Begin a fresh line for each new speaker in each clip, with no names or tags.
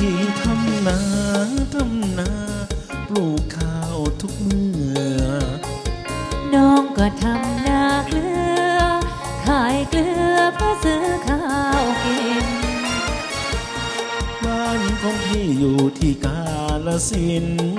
พี่ทำนาปลูกข้าวทุกเมื่อ
น้องก็ทำนาเกลือขายเกลือเพื่อซื้อข้าวกิน
บ้านของพี่อยู่ที่กาฬสินธุ์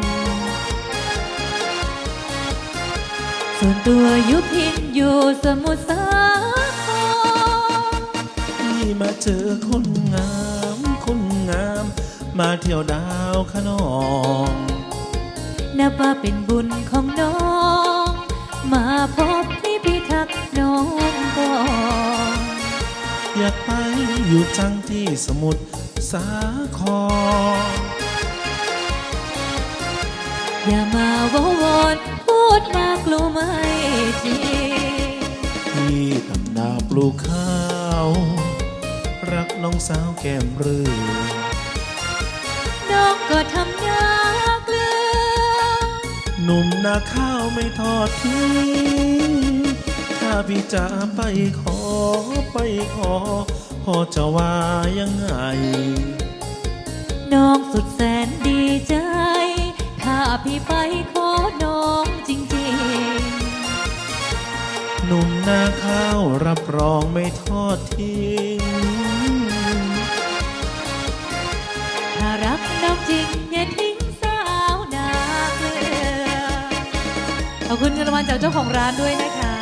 ส่วนตัวยุพินอยู่สมุทรสาคร
พี่มาเจอคนงาม มาเที่ยวดาวขนอง
นับว่าเป็นบุญของน้องมาพบพี่พิทักษ์น้องก่อน
อยากไปอยู่จังที่สมุทรสาคร
อย่ามาวอนพูดมากลัวไม่จริง
พี่ทำนาปลูกข้าวรักน้องสาวแก้มเรือ
น้องก็ทำนาเกลือ
หนุ่มนาข้าวไม่ทอดทิ้งถ้าพี่จะไปขอพ่อจะว่ายังไง
น้องสุดแสนดีใจถ้าพี่ไปขอน้องจริง
ๆหนุ่มนาข้าวรับรองไม่ทอดทิ้ง
ถ้ารักน้องจริงอย่าทิ้งสาวนาเกลือขอบคุณเงินรางวัลจากเจ้าของร้านด้วยนะคะ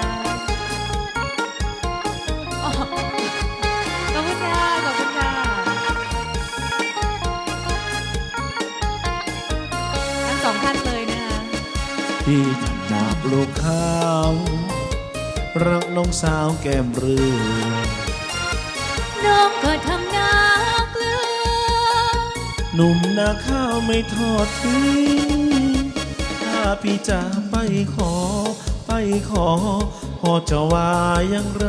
ขอบคุณค่ะขอบคุณค่ะทั้งสองท่านเลยนะคะ
พี่ทำนาปลูกข้าวรักน้องสาวแก้มเรือ
น้องก็ทำนาเกลือ
หนุ่มนาข้าวไม่ทอดทิ้งถ้าพี่จะไปขอพ่อจะว่ายังไร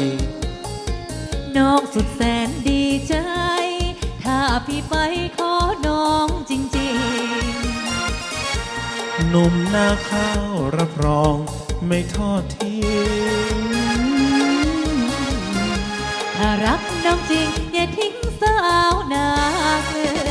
น้องสุดแสนดีใจถ้าพี่ไปขอน้องจริง
ๆหนุ่มนาข้าวรับรองไม่ทอดทิ้ง
ถ้ารักน้องจริงอย่าทิ้งสาวนาเกลือ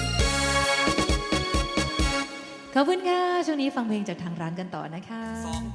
ขอบคุณค่ะช่วงนี้ฟังเพลงจากทางร้านกันต่อนะคะ